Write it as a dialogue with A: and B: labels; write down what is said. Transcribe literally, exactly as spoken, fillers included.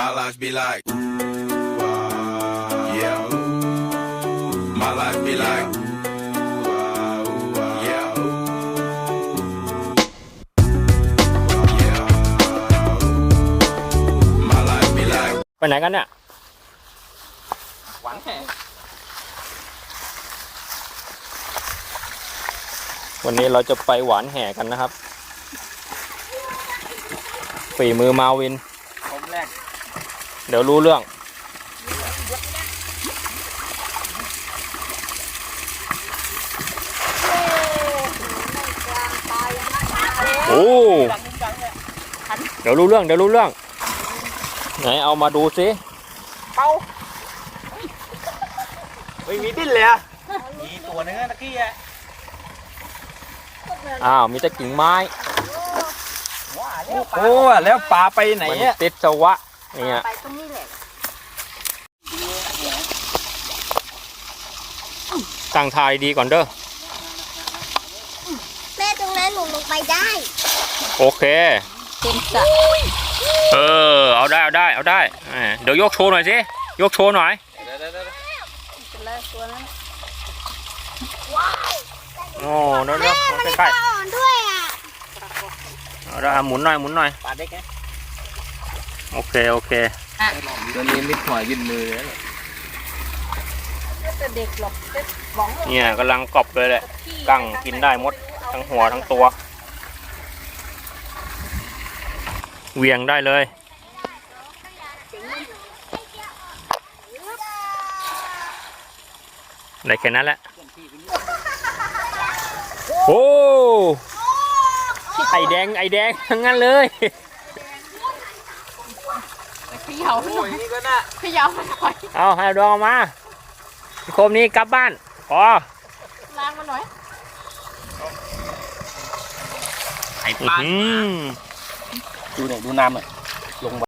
A: My life be like, yeah. My life be like, yeah. My life be like.
B: ไปไหนกันเนี่ย
C: หวานแห่
B: วันนี้เราจะไปหวานแห่กันนะครับฝีมือมาวิน
C: ผมแรก
B: เดี๋ยวรู้เรื่องโอ้เดี๋ยวรู้เรื่องเดี๋ยวรู้เรื่องไหนเอามาดูสิ
C: เป้าไม่มีดิ้นเลยอ่ะมีตัวนึงตะกี้อ่ะ
B: อ้าวมีแต่กิ่งไม้
C: โอ้แล้วปลาไปไหน
B: มัน
C: อ่ะ
B: ติดสวะเนี่ย
D: ไปตรงนี้แหละ
B: ตั้งทายดีก่อนเด้อ
D: แม่ตรงนั้นหนูลงไปได้
B: โอเค
D: เต็มสระ
B: เออเอาได้เอาได้เอาได้อ่าเดี๋ยวยกโชว์หน่อยสิยกโชว์หน่อย
D: เป็นเลยตัวนั้น
B: โอ้เดี๋ยวเดี๋ยวใกล้
D: อ่อนด้วยอ่ะ
B: ๆเอาได้หมุนหน่อยหมุนหน่อย
C: ปลาเด็กไง
B: โอเคโอเค
C: ตัวนี้มิดหัวยื่นมือเลย
D: ไม่จะเด็กหรอกเด็กบ้อง
B: เนี่ยกำลังกรอบเลยแหละกั้งกินได้หมดทั้งหัวทั้งตัวเหวียงได้เลยได้แค่นั้นแหละโอ้ไอแดงไอแดงทั้งนั้นเลย
D: เขย่า
C: โอ้ยนี่ก็น่ะ
D: เขย่ามันหน่อย
B: เอาให้ดองออกมาโคมนี้กลับบ้านพอ
D: ล้างมันหน่อย
C: ไอ้ปลา
B: อืม
C: ดูหน่อยดูน้ำหน่อยลง